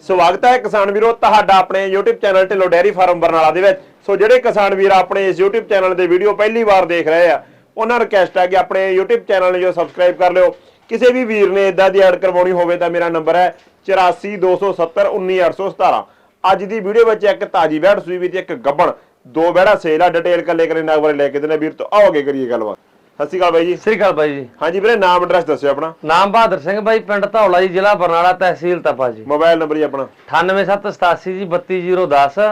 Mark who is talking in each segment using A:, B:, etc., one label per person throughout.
A: ਸਵਾਗਤ ਹੈ ਕਿਸਾਨ ਵੀਰੋ ਤੁਹਾਡਾ ਆਪਣੇ YouTube channel Dhillon dairy farm Barnala ਦੇ ਵਿੱਚ। ਸੋ ਜਿਹੜੇ ਕਿਸਾਨ ਵੀਰ ਆਪਣੇ ਇਸ YouTube ਚੈਨਲ ਦੇ ਵੀਡੀਓ ਪਹਿਲੀ ਵਾਰ ਦੇਖ ਰਹੇ ਆ ਉਹਨਾਂ ਨੂੰ ਰਿਕਵੈਸਟ ਹੈ ਕਿ ਆਪਣੇ YouTube ਚੈਨਲ ਨੂੰ ਜੋ ਸਬਸਕ੍ਰਾਈਬ ਕਰ ਲਿਓ। ਕਿਸੇ ਵੀ ਵੀਰ ਨੇ ਇਦਾਂ ਦੀ ਐਡ ਕਰਵਾਉਣੀ ਹੋਵੇ ਤਾਂ ਮੇਰਾ ਨੰਬਰ ਹੈ 8427191817। ਅੱਜ ਦੀ ਵੀਡੀਓ ਵਿੱਚ ਇੱਕ ਤਾਜੀ ਵੈੜ ਸੂਈ ਵੀ ਤੇ ਇੱਕ ਗੱਬਣ ਦੋ ਵੈੜਾ ਸੇਲ ਆ। ਡਿਟੇਲ ਕੱਲੇ ਕਰੇ ਨਾਗ ਬਾਰੇ ਲੈ ਕੇ ਦੇਣਾ ਵੀਰ ਤੋਂ ਆਓ ਅੱਗੇ ਕਰੀਏ ਗੱਲਬਾਤ। ਸਤਿ ਸ਼੍ਰੀ ਅਕਾਲ ਬਾਈ ਜੀ।
B: ਸਤਿ ਸ਼੍ਰੀ ਅਕਾਲ ਬਾਈ ਜੀ।
A: ਹਾਂਜੀ ਵੀਰੇ ਨਾਮ ਐਡਰੈਸ ਦੱਸਿਓ ਆਪਣਾ।
B: ਨਾਮ ਬਹਾਦਰ ਸਿੰਘ ਬਾਈ, ਪਿੰਡ ਧੌਲਾ ਜੀ, ਜ਼ਿਲ੍ਹਾ ਬਰਨਾਲਾ, ਤਹਿਸੀਲ ਤਪਾ ਜੀ।
A: ਮੋਬਾਈਲ ਨੰਬਰ ਜੀ ਆਪਣਾ
B: 9878 ਜੀ 32010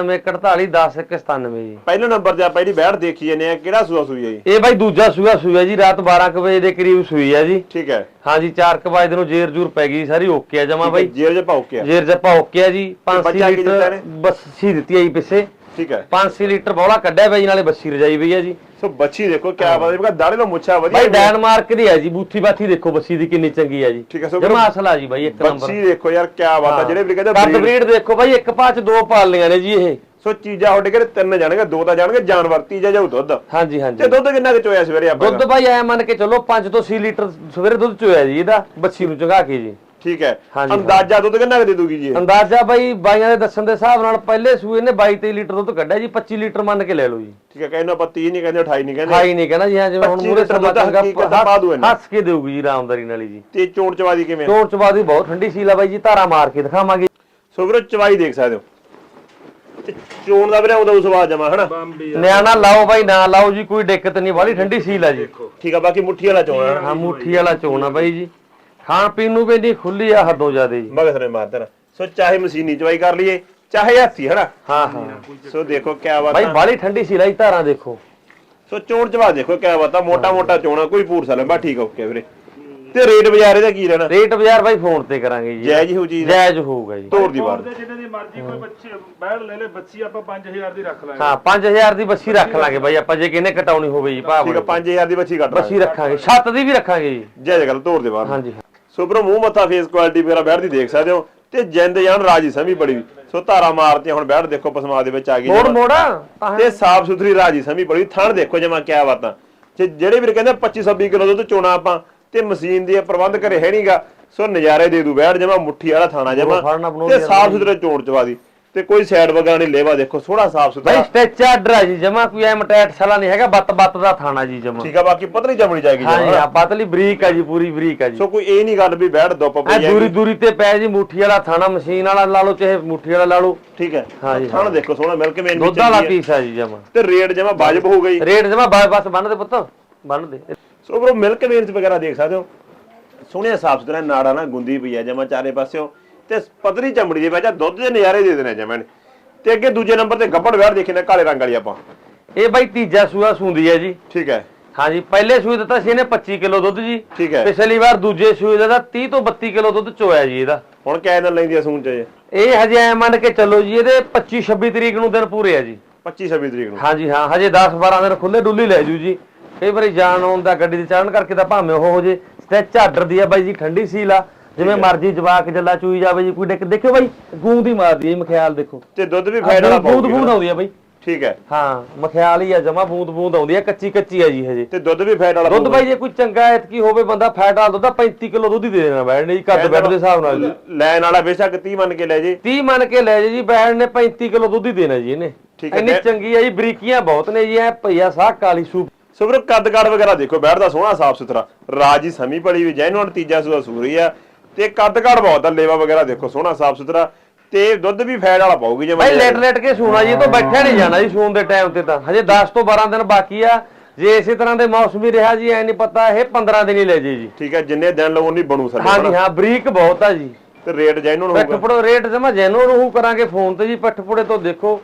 B: 994110 ਜੀ।
A: ਪਹਿਲੇ ਨੰਬਰ ਤੇ ਆਪਾਂ ਜਿਹੜੀ ਵੈੜ ਦੇਖੀ ਜਾਂਦੇ ਆ ਕਿਹੜਾ ਸੂਆ ਸੂਈ ਹੈ ਜੀ?
B: ਇਹ ਬਾਈ ਦੂਜਾ ਸੂਆ ਜੀ, ਰਾਤ 12 ਵਜੇ ਦੇ ਕਰੀਬ ਸੂਈ ਹੈ ਜੀ।
A: ਠੀਕ ਹੈ।
B: ਹਾਂਜੀ 4 ਵਜੇ ਨੂੰ ਜੇਰ ਜੂਰ ਪੈ ਗਈ ਸਾਰੀ, ਓਕੇ ਆ ਜਮਾ ਬਾਈ।
A: ਜੇਰ ਜੇ ਪਾਉ ਕੇ
B: ਜੇਰ ਜਪਾ ਓਕੇ ਆ ਜੀ। 5 ਲੀਟਰ ਬੱਸੀ ਦਿੱਤੀ ਆਈ ਪਿੱਛੇ।
A: ਠੀਕ ਹੈ।
B: 5 ਲੀਟਰ ਬੋਲਾ ਕੱਢਿਆ ਬਾਈ, ਨਾਲੇ ਬੱਸੀ ਰਜਾਈ ਪਈ ਆ ਜੀ।
A: ਸੋ ਬੱਚੀ ਦੇਖੋ ਕਿਆ ਬਾਤ ਹੈ, ਦਾੜੇ ਤੋਂ ਮੁੱਛਾ ਵਧੀਆ
B: ਬਾਈ ਡੈਨਮਾਰਕ ਦੀ ਹੈ ਜੀ। ਬੂਥੀ ਬਾਥੀ ਦੇਖੋ ਬੱਸੀ ਦੀ ਕਿੰਨੀ ਚੰਗੀ ਹੈ ਜੀ।
A: ਠੀਕ ਹੈ। ਸੋ
B: ਜਮਾ ਅਸਲ ਆ ਜੀ ਬਾਈ, ਇੱਕ ਨੰਬਰ
A: ਬੱਚੀ ਦੇਖੋ ਯਾਰ ਕਿਆ ਬਾਤ ਹੈ। ਜਿਹੜੇ ਵੀ ਕਹਿੰਦੇ
B: ਕੱਦ ਬਰੀਡ ਦੇਖੋ ਬਾਈ, ਇੱਕ ਪਾਚ ਦੋ ਪਾਲੀਆਂ ਨੇ ਜੀ ਇਹ।
A: ਸੋ ਚੀਜ਼ਾਂ ਤੁਹਾਡੇ ਘਰੇ ਤਿੰਨ ਜਾਣਗੇ, ਦੋ ਤਾਂ ਜਾਣਗੇ ਜਾਨਵਰ, ਤੀਜਾ ਜਾਊ ਦੁੱਧ।
B: ਹਾਂਜੀ ਹਾਂਜੀ।
A: ਤੇ ਦੁੱਧ ਕਿੰਨਾ ਕੁ ਚੋਇਆ ਸਵੇਰੇ ਆਪਾਂ?
B: ਦੁੱਧ ਬਾਈ ਐ ਮੰਨ ਕੇ ਚੱਲੋ 5 ਤੋਂ 6 ਲੀਟਰ ਸਵੇਰੇ ਦੁੱਧ ਚੋਇਆ ਜੀ ਇਹਦਾ, ਬੱਚੀ ਨੂੰ ਚੰਗਾ ਕੇ ਜੀ।
A: ਠੀਕ ਹੈ। ਅੰਦਾਜ਼ਾ ਦੁੱਧ ਕਿੰਨਾ ਕੁ ਦੇ ਦੂਗੀ ਜੀ?
B: ਅੰਦਾਜ਼ਾ ਬਾਈ ਬਾਈਆਂ ਦੇ ਦੱਸਣ ਦੇ ਹਿਸਾਬ ਨਾਲ ਪਹਿਲੇ ਸੂਏ ਨੇ 22-23 ਲੀਟਰ ਦੁੱਧ ਕੱਢਿਆ ਜੀ। 25 ਲੀਟਰ ਮੰਨ ਕੇ ਲੈ ਲਓ ਜੀ।
A: ਠੀਕ ਹੈ। ਕਹਿੰਦੇ ਆਪਾਂ 30 ਨਹੀਂ ਕਹਿੰਦੇ, 28 ਨਹੀਂ ਕਹਿੰਦੇ,
B: 28 ਨਹੀਂ ਕਹਿੰਦਾ ਜੀ। ਹਾਂ ਜਿਵੇਂ ਹੁਣ ਮੂਰੇ ਸਭਾ ਹੱਸ ਕੇ ਦੇਊਗੀ ਜੀ ਆਰਾਮਦਾਰੀ ਨਾਲ ਜੀ।
A: ਤੇ ਚੋਣ ਚਵਾਦੀ ਕਿਵੇਂ?
B: ਚੋਣ ਚਵਾਦੀ ਬਹੁਤ ਠੰਡੀ ਸੀਲ ਆ ਬਾਈ ਜੀ, ਧਾਰਾ ਮਾਰ ਕੇ ਦਿਖਾਵਾਂਗੇ।
A: ਸੋ ਵੀਰੋ ਚਵਾਈ ਦੇਖ ਸਕਦੇ ਹੋ ਤੇ ਚੋਣ ਦਾ ਵੀਰੇ ਉਹਦਾ ਸਵਾਦ ਜਮਾ ਹਨਾ।
B: ਨਿਆਣਾ ਲਾਓ ਬਾਈ ਨਾ ਲਾਓ ਜੀ, ਕੋਈ ਦਿੱਕਤ ਨਹੀਂ, ਬਾਲੀ ਠੰਡੀ ਸੀਲ ਆ ਜੀ।
A: ਠੀਕ ਆ। ਬਾਕੀ ਮੁੱਠੀ ਵਾਲਾ ਚੋਣ ਆ।
B: ਹਾਂ ਮੁੱਠੀ ਵਾਲਾ ਚੋਣ ਆ ਬਾਈ ਜੀ। ਖਾਣ ਪੀਣ ਨੂੰ ਵੀ ਨਹੀਂ ਖੁੱਲੀ ਆ ਹੱਦੋਂ ਜ਼ਿਆਦੇ ਜੀ।
A: ਮਗਸ ਨੇ ਮਾਰਦਾ। ਸੋ ਚਾਹੇ ਮਸ਼ੀਨੀ ਚਵਾਈ ਕਰ ਲਈਏ ਚਾਹੇ ਹੱਥੀ ਹਨਾ।
B: ਹਾਂ ਹਾਂ।
A: ਸੋ ਦੇਖੋ ਕਿਆ ਬਾਤ
B: ਬਾਈ ਬਾਲੀ ਠੰਡੀ ਸੀ ਲਾਈ ਧਾਰਾਂ ਦੇਖੋ।
A: ਸੋ ਚੋਣ ਚਵਾ ਦੇਖੋ ਕਿਆ ਬਾਤ ਆ। ਮੋਟਾ ਮੋਟਾ ਚੋਣਾ, ਕੋਈ ਪੂਰਸਾ ਲੈ ਬਾ। ਠੀਕ ਆ, ਓਕੇ ਵੀਰੇ। ਤੇ ਰੇਟ ਬਾਜ਼ਾਰ ਇਹਦਾ ਕੀ ਰਹਿਣਾ?
B: ਰੇਟ ਬਾਜ਼ਾਰ ਬਾਈ ਫੋਨ ਤੇ ਕਰਾਂਗੇ ਜੀ।
A: ਜਾਇਜ਼ ਹੋ ਜੀ?
B: ਜਾਇਜ਼ ਹੋਊਗਾ ਜੀ।
A: ਤੋੜ ਦੀ ਬਾਤ
C: ਜਿੰਨੇ ਦੀ ਮਰਜ਼ੀ ਕੋਈ ਬੱਚੇ ਬੈੜ ਲੈ ਲੈ, ਬੱਚੀ ਆਪਾਂ 5000 ਦੀ ਰੱਖ ਲਾਂਗੇ।
B: ਹਾਂ 5000 ਦੀ ਬੱਚੀ ਰੱਖ ਲਾਂਗੇ ਬਾਈ ਆਪਾਂ, ਜੇ ਕਿਹਨੇ ਕਟਾਉਣੀ ਹੋਵੇ ਜੀ ਭਾਅ।
A: ਠੀਕ ਆ। 5000 ਦੀ ਬੱਚੀ ਕੱਟ
B: ਬੱਚੀ ਰੱਖਾਂਗੇ, ਛੱਤ ਦੀ ਵੀ ਰੱਖਾਂਗੇ ਜੀ।
A: ਜਾਇਜ਼ ਗੱਲ। ਤੋੜ ਦੇ ਬਾਹਰ।
B: ਹਾਂਜੀ।
A: ਸੋ ਬਰੋ ਮੂੰਹ ਮੱਥਾ ਫੇਸ ਕੁਆਲਿਟੀ ਵਗੈਰਾ ਬੈੜ ਦੀ ਦੇਖ ਸਕਦੇ ਹੋ ਤੇ ਜਿੰਦ ਜਾਨ ਰਾਜੀ ਸਮੀ ਬੜੀ। ਸੋ ਧਾਰਾ ਮਾਰਤੀ ਹੁਣ ਬੈੜ ਦੇਖੋ ਪਸਮਾ ਦੇ ਵਿੱਚ ਆ ਗਈ
B: ਮੋੜਾ
A: ਤੇ ਸਾਫ ਸੁਥਰੀ ਰਾਜੀ ਸਮੀ ਬੜੀ। ਥਣ ਦੇਖੋ ਜਮਾ ਕਿਆ ਬਾਤਾਂ। ਤੇ ਜਿਹੜੇ ਵੀਰ ਕਹਿੰਦੇ 25-26 ਕਿਲੋ ਦੁੱਧ ਚੋਣਾ ਆਪਾਂ ਤੇ ਮਸ਼ੀਨ ਦੀ ਪ੍ਰਬੰਧ ਕਰੇ ਹੈ ਨਹੀਂਗਾ। ਸੋ ਨਜ਼ਾਰੇ ਦੇ ਦੂ ਬੈੜ ਜਮਾ। ਮੁੱਠੀ ਵਾਲਾ ਥਾਣਾ ਜਮਾ ਤੇ ਸਾਫ ਸੁਥਰੇ ਚੋਣ ਚਵਾ ਦੀ ਤੇ ਕੋਈ ਸਾਈਡ ਵਗਾਂ ਨਹੀਂ। ਲੇਵਾ ਦੇਖੋ ਸੋਹਣਾ ਸਾਫ ਸੁਥਰਾ
B: ਬਾਈ ਸਟੈਚ ਆਰਡਰ ਆ ਜੀ ਜਮਾ, ਕੋਈ ਐ ਮਟੈਟ ਸਾਲਾ ਨਹੀਂ ਹੈਗਾ। ਬੱਤ ਦਾ ਥਾਣਾ ਜੀ ਜਮਾ।
A: ਠੀਕ ਆ। ਬਾਕੀ ਪਤਲੀ ਜਮਣੀ ਜਾਏਗੀ
B: ਹਾਂ ਜੀ। ਪਤਲੀ ਬਰੀਕ ਆ ਜੀ, ਪੂਰੀ ਬਰੀਕ ਆ ਜੀ।
A: ਸੋ ਕੋਈ ਇਹ ਨਹੀਂ ਗੱਲ ਵੀ ਬੈੜ ਦੁੱਪ ਪਈ
B: ਹੈ। ਦੂਰੀ ਤੇ ਪੈ ਜੀ। ਮੁੱਠੀ ਵਾਲਾ ਥਾਣਾ, ਮਸ਼ੀਨ ਵਾਲਾ ਲਾ ਲਓ ਚਾਹੇ ਮੁੱਠੀ ਵਾਲਾ ਲਾ ਲਓ।
A: ਠੀਕ ਹੈ।
B: ਹਾਂ ਜੀ।
A: ਥਣ ਦੇਖੋ ਸੋਹਣਾ ਮਿਲ ਕੇ
B: ਦੁੱਧ ਵਾਲਾ ਪੀਸ ਆ ਜੀ ਜਮਾ।
A: ਤੇ ਰੇਟ ਜਮਾ ਵਾਜਬ ਹੋ ਗਈ।
B: ਰੇਟ ਜਮਾ ਬਸ ਬੰਨ ਦੇ ਪੁੱਤ, ਬੰਨ ਦੇ।
A: ਸੋ ਬਰੋ ਮਿਲਕ ਵੇਰਸ ਵਗੈਰਾ ਦੇਖ ਸਕਦੇ ਹੋ। ਸੋਹਣਿਆ ਸਾਫ ਸੁਥਰਾ ਨਾੜਾ ਨਾ ਗੁੰਦੀ ਪਈ ਆ ਜਮਾ ਚਾਰੇ ਪਾਸਿਓਂ ਤੇ ਪਤਲੀ ਚਮੜੀ ਦੇ ਵਿੱਚ ਦੁੱਧ ਦੇ ਨਜ਼ਾਰੇ ਦੇ ਦੇਣੇ ਜਮਾ। ਤੇ ਅੱਗੇ ਦੂਜੇ ਨੰਬਰ ਤੇ ਗੱਬੜ ਵੈੜ ਦੇਖੀ ਨੇ ਕਾਲੇ ਰੰਗ ਵਾਲੀ ਆਪਾਂ।
B: ਇਹ ਬਾਈ ਤੀਜਾ ਸੂਆ ਸੂੰਦੀ ਹੈ ਜੀ।
A: ਠੀਕ ਹੈ।
B: ਹਾਂਜੀ ਪਹਿਲੇ ਸੂਏ ਦਿੱਤਾ ਸੀ ਇਹਨੇ 25 ਕਿਲੋ ਦੁੱਧ ਜੀ।
A: ਠੀਕ ਹੈ।
B: ਪਿਛਲੀ ਵਾਰ ਦੂਜੇ ਸੂਏ ਦਾ 30 ਤੋਂ 32 ਕਿਲੋ ਦੁੱਧ ਚੋਇਆ ਜੀ ਇਹਦਾ।
A: ਹੁਣ ਕਿਆ ਦਿਨ ਲੈਂਦੀ ਆ ਸੂਣ ਚ?
B: ਇਹ ਹਜੇ ਐ ਮੰਨ ਕੇ ਚੱਲੋ ਜੀ ਇਹਦੇ 25-26 ਤਰੀਕ ਨੂੰ ਦਿਨ ਪੂਰੇ ਆ ਜੀ।
A: 25-26 ਤਰੀਕ ਨੂੰ?
B: ਹਾਂਜੀ ਹਾਂ। ਹਜੇ 10-12 ਦਿਨ ਖੁੱਲੇ ਡੁੱਲੀ ਲੈ ਜੂ ਜੀ। ਕਈ ਵਾਰੀ ਜਾਣ ਆਉਣ ਦਾ ਗੱਡੀ ਤੇ ਚੜਨ ਕਰਕੇ ਤਾਂ ਭਾਵੇਂ ਉਹ ਹੋ ਜੇ। ਸਟੈਚ ਆਰਡਰ ਦੀ ਆ ਬਾਈ ਜੀ, ਠੰਡੀ ਸੀਲ ਆ। ਜਿਵੇਂ ਮਰਜੀ ਜਵਾਕ ਜੱਲਾ ਚੂਈ ਜਾਵੇ ਜੀ। ਕੋਈ ਦੇਖਿਓ ਬਾਈ ਗੂੰਦ ਹੀ ਮਾਰਦੀ ਹੈ ਮਖਿਆਲ ਦੇਖੋ।
A: ਤੇ ਦੁੱਧ ਵੀ ਫੈਟ ਵਾਲਾ
B: ਬੂੰਦ ਆਉਂਦੀ ਆ ਬਾਈ।
A: ਠੀਕ ਹੈ।
B: ਹਾਂ ਮਖਿਆਲ ਹੀ ਆ ਜਮਾ, ਬੂੰਦ ਆਉਂਦੀ ਆ। ਕੱਚੀ ਆ ਜੀ ਹਜੇ।
A: ਤੇ ਦੁੱਧ ਵੀ ਫੈਟ ਵਾਲਾ?
B: ਦੁੱਧ ਬਾਈ ਜੇ ਕੋਈ ਚੰਗਾ ਐਤਕੀ ਹੋਵੇ ਬੰਦਾ ਫੈਟ ਵਾਲਾ ਦੁੱਧ 35 ਕਿਲੋ ਦੁੱਧ ਹੀ ਦੇ ਦੇਣਾ ਬੈਠ ਨੇ ਜੀ। ਕੱਦ ਬੈਠ ਦੇ ਹਿਸਾਬ ਨਾਲ ਜੀ।
A: ਲੈਣ ਵਾਲਾ ਬੇਸ਼ੱਕ 30 ਮੰਨ ਕੇ ਲੈ ਜੇ।
B: 30 ਮੰਨ ਕੇ ਲੈ ਜੇ ਜੀ। ਬੈਠ ਨੇ 35 ਕਿਲੋ ਦੁੱਧ ਹੀ ਦੇਣਾ ਜੀ ਇਹਨੇ। ਇੰਨੀ ਚੰਗੀ ਆ ਜੀ। ਬਰੀਕੀਆਂ ਬਹੁਤ ਨੇ ਜੀ। ਐ ਭਈਆ ਸਾਹ ਕਾਲੀ ਸੂਪ।
A: ਸੋ ਵੀਰੋ ਕੱਦ ਕਾੜ ਵਗੈਰਾ ਦੇਖੋ ਬੈਠ ਦਾ ਸੋਹਣਾ ਸਾਫ ਸੁਥਰਾ ਰਾਜੀ ਸਮੀ ਬੜੀ ਵੀ ਜੈਨੂਨ। ਤੀਜਾ ਸੂਆ ਸੂਰੀ ਆ ਤੇ ਕੱਦ ਕਾੜ ਬਹੁਤ ਆ। ਲੇਵਾ ਵਗੈਰਾ ਦੇਖੋ ਸੋਹਣਾ ਸਾਫ ਸੁਥਰਾ ਤੇ ਦੁੱਧ ਵੀ ਫੈਟ ਵਾਲਾ ਪਾਉਗੀ ਜੇ
B: ਬਾਈ। ਲੇਟ ਕੇ ਸੂਣਾ ਜੀ। ਇਹ ਤੋਂ ਬੈਠਿਆ ਨਹੀਂ ਜਾਣਾ ਜੀ ਸੂਣ ਦੇ ਟਾਈਮ ਤੇ ਤਾਂ। ਹਜੇ 10 ਤੋਂ 12 ਦਿਨ ਬਾਕੀ ਆ। ਜੇ ਇਸੇ ਤਰ੍ਹਾਂ ਦੇ ਮੌਸਮੀ ਰਿਹਾ ਜੀ ਐ ਨਹੀਂ ਪਤਾ ਇਹ 15 ਦਿਨ ਹੀ ਲੈ ਜੇ ਜੀ।
A: ਠੀਕ ਹੈ। ਜਿੰਨੇ ਦਿਨ ਲਵੋ ਨਹੀਂ ਬਣੂ ਸਾਡੇ।
B: ਹਾਂਜੀ ਹਾਂ। ਬਰੀਕ ਬਹੁਤ ਆ ਜੀ।
A: ਤੇ ਰੇਟ ਜੈਨੂਨ ਹੋਊਗਾ?
B: ਪੱਠਪੜੋ ਰੇਟ ਜਮਾ ਜੈਨੂਨ ਉਹ ਕਰਾਂਗੇ ਫੋਨ ਤੇ ਜੀ। ਪੱਠਪੜੇ ਤੋਂ ਦੇਖੋ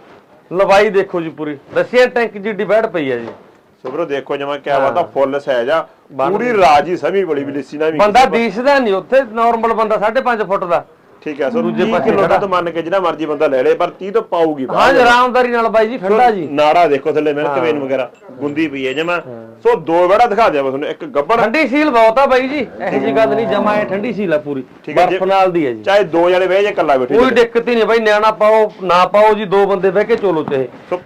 B: ਲਵਾਈ ਦੇਖੋ ਜੀ ਪੂਰੀ। ਰਸੀਅਨ ਟੈਂਕ ਜੀ ਡਿਬੈਟ ਪਈ ਆ ਜੀ।
A: ਸੋ ਵੀਰੋ ਦੇਖੋ ਜਮਾ ਕਿਆ ਬਾਤ ਆ। ਫੁੱਲ ਸਾਈਜ਼ ਆ ਪੂਰੀ ਰਾਜੀ ਸਮੀ ਬੜੀ ਵੀ ਲਿੱਸੀ ਨਾ ਵੀ
B: ਬੰਦਾ ਦੀਸਦਾ ਨਹੀਂ ਉੱਥੇ। ਨਾਰਮਲ ਬੰਦਾ 5.5 ਫੁੱਟ ਦਾ।
A: ਠੀਕ ਹੈ। ਸੋ 30 ਕਿਲੋ ਦੁੱਧ ਮੰਨ ਕੇ ਜਿਹੜਾ ਮਰਜੀ ਬੰਦਾ ਲੈ ਲੇ ਪਰ 30 ਤੋਂ ਪਾਊਗੀ।
B: ਹਾਂ ਆਰਾਮਦਾਰੀ ਨਾਲ ਬਾਈ ਜੀ। ਠੰਡਾ ਜੀ।
A: ਨਾੜਾ ਦੇਖੋ ਥੱਲੇ ਮਿਲਕ ਵੇਨ ਵਗੈਰਾ ਗੁੰਦੀ ਪਈ ਹੈ ਜਮਾ। ਸੋ ਦੋ ਵੜਾ ਦਿਖਾ ਦਿਆ ਤੁਹਾਨੂੰ। ਇੱਕ ਗੱਬੜ
B: ਠੰਡੀ ਸੀਲ ਬਹੁਤ ਆ ਬਾਈ ਜੀ। ਇਹੋ ਜੀ ਗੱਲ ਨਹੀਂ ਜਮਾ। ਇਹ ਠੰਡੀ ਸੀਲ ਆ ਪੂਰੀ। ਬਰਫ ਨਾਲ ਦੀ ਹੈ ਜੀ।
A: ਚਾਹੇ ਦੋ ਜਣੇ ਬਹਿ ਜੇ ਇਕੱਲਾ ਬੈਠੇ
B: ਕੋਈ ਦਿੱਕਤ ਹੀ ਨਹੀਂ ਬਾਈ। ਨਿਆਣਾ ਪਾਓ ਨਾ ਪਾਓ ਜੀ, ਦੋ ਬੰਦੇ ਬਹਿ ਕੇ ਚੋਲੋ ਚਾਹੇ।
A: ਸੋ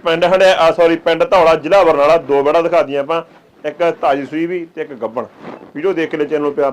A: ਪਿੰਡ ਧੌਲਾ ਜ਼ਿਲ੍ਹਾ ਬਰਨਾਲਾ ਦੋ ਵੜਾ ਦਿਖਾ ਦੀਆਂ ਆਪਾਂ। ਇੱਕ ਤਾਜੀ ਸੂਈ ਵੀ ਤੇ ਇੱਕ ਗੱਬਣ। ਵੀਡੀਓ ਦੇਖ ਕੇ ਲੈ ਚੈਨਲ ਨੂੰ ਪਿਆਰ